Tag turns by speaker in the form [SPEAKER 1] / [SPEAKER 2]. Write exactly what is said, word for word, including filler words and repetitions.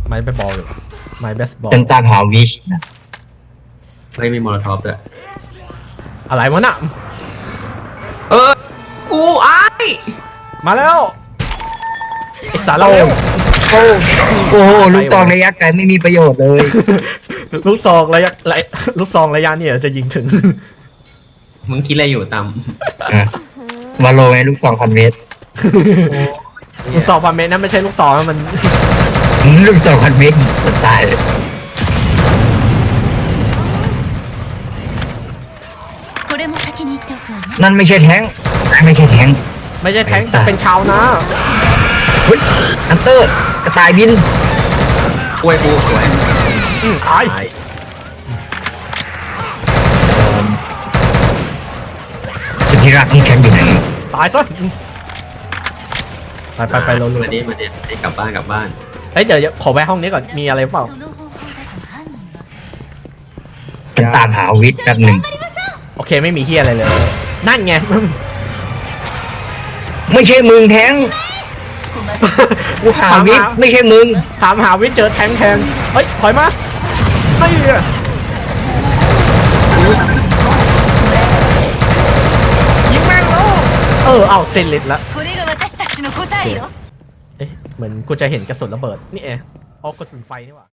[SPEAKER 1] ไม้เบสบอลหรือไม้เบสบอล
[SPEAKER 2] ฉันตามหาวิชนะ
[SPEAKER 3] ไม่มีโมโลทอฟด้วย
[SPEAKER 1] อะไรวะน่ะ
[SPEAKER 3] เออกูไอ้
[SPEAKER 1] มาแล้วไอสารเลว
[SPEAKER 2] โอ้โอ้โหลูกซองระยะไกลไม่มีประโยชน์เลย
[SPEAKER 1] ลูกซองระยะระยะลูกซองระยะเนี่ยจะยิงถึง
[SPEAKER 3] มึงคิดอะไรอยู่ตาม
[SPEAKER 2] อ่ะมาโลไงลูกซองพันเมตร
[SPEAKER 1] ลูกซองพันเมตรนั่นไม่ใช่ลูกซองนะมัน
[SPEAKER 2] ลูกซองพันเมตรยิงคนตายเลย
[SPEAKER 4] これも先に言っておくわね。
[SPEAKER 2] นั่นไม่ใช่แท้งไม่ใช่แท้ง
[SPEAKER 1] ไม่ใช่แทงค์แต่เป็นชาวนา
[SPEAKER 2] เฮ้ยฮันเตอร์กระต่ายบิน
[SPEAKER 3] กล้วยกูสวย
[SPEAKER 1] อืมตาย
[SPEAKER 2] สุดที่รักนี่แท้งอยู่ไหน
[SPEAKER 1] ตายซะอืมไปไปไปเราลุย
[SPEAKER 3] มาดิมาดิให้กลับบ้านกลับบ้าน
[SPEAKER 1] เฮ้ยเดี๋ยวขอแวะห้องนี้ก่อนมีอะไรเปล่า
[SPEAKER 4] その方法だと犯人は。
[SPEAKER 2] ฉันตามหาวิชแป๊บหนึ่ง
[SPEAKER 1] โอเคไม่มีเฮียอะไรเลย นั่นไง
[SPEAKER 2] ไม่ใช่มึงแท้งกูหาวิชไม่ใช่มึง
[SPEAKER 1] ถามหาวิทย์เจอแทงค์แทนเฮ้ยถอยมาไม่อะยิงแม่งแล้วเออเอาเซนลิตละ
[SPEAKER 4] これが私たちの答えよ。
[SPEAKER 1] เอ๊ะเหมือนกูจะเห็นกระสุนระเบิดนี่เองอ๋อกระสุนไฟนี่หว่า